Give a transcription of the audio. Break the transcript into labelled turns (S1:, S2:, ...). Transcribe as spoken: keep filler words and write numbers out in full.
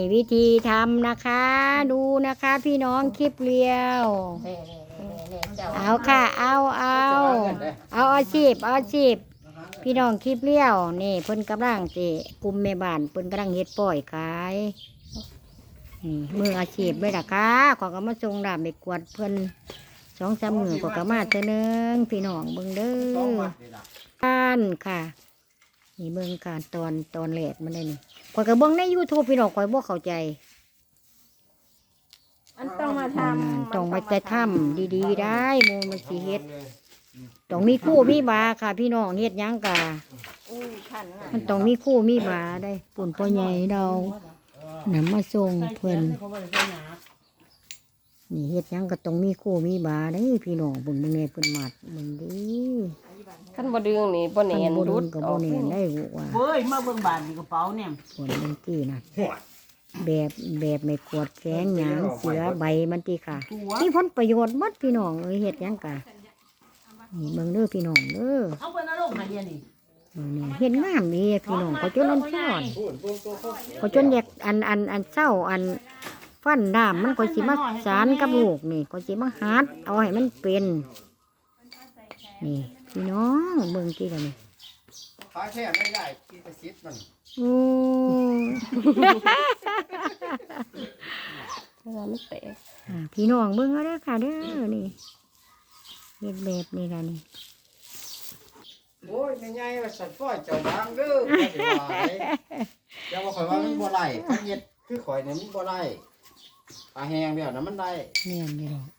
S1: วิธีทำนะคะ ดูนะคะพี่น้องคลิปเรียวเอาค่ะเอาเอาเอาอาชีพเอาอาชีพพี่น้องคลิปเลี้ยวนี่เพิ่นกำลังสิกลุ่มแม่บ้านเพิ่นกำลังเฮ็ดป้อยขายนี่มืออาชีพเลยล่ะค่ะขอก็มาส่งดาบไปกวดเพิ่นสองสามมือขอก็มาเท่านึงพี่น้องเบิ่งเด้อการค่ะนี่เบิ่งการตอนตอนแรกมันได้นี่ขอยก็เบิ่งใน YouTube พี่น้องขอยบ่เข้าใจ
S2: มันต้องมาทำ
S1: ต้องมาจะทำดีๆได้โมมันสิเฮ็ดต้องมีคู่มีบาค่ะพี่น้องเฮ็ดหยังกะมันต้องมีคู่มีบาได้ปุ่นพ่อใหญ่เรานำมาส่งเพิ่นนี่เฮ็ดหยังก็ต้องมีคู่มีบาได้พี่น้องเบิ่งเบิ่งแน่เพิ่นมัดเบิ่งดิ
S2: ขั้นบ่ดึงนี่บ่แน่น
S1: รุ
S2: รุ
S1: ด
S2: ด
S1: ก็
S2: อ
S1: บ่
S2: อก
S1: แน่นได้ว่า
S3: เว้ยมาเบิ่งบานนี่กระเป๋าเนี่ย
S1: ส่วนมันตีน่ะแบบแบบไม่กวดแข้งหยางเสือใบมันตีค่ะมีผลประโยชน์หมดพี่น้องเอ้ยเฮ็ดหยังกะนี่เบิ่งเด้อพี่น้องเด้อ
S3: เอาเพิ่นเอาลงมาเดี๋ยวนี้
S1: นี่เห็นงามดีพี่น้องเขาจนอันซ้อนเขาจนแยกอันอันอันเศร้าอันฟันดามมันก็สิมาสารกับลูกนี่ก็สิมาหัดเอาให้มันเป็นนี่พี่น้องเบิ่งกี่กันนี่
S4: ขายแค่ไม่ได้กินแต่ซิดมัน
S1: โอ้
S2: มันเตะ
S1: อ่าพี่น้องเบิ่งเอาเด้อค่ะเด้อนี่เฮ็ดแบบนี้ล่ะนี่
S4: โอ้ยใหญ่ๆว่าสัตว์ฝ้อยเจ้าบางเด้อบ่ได้ว่าเด้เจ้าว่าข่อยว่ามันบ่ไหลคันเฮ็ดคือข่อยเนี่ยมันบ่ไหลปลาแห้งแบบนั้นมันได้
S1: แม่นอยู่ดอก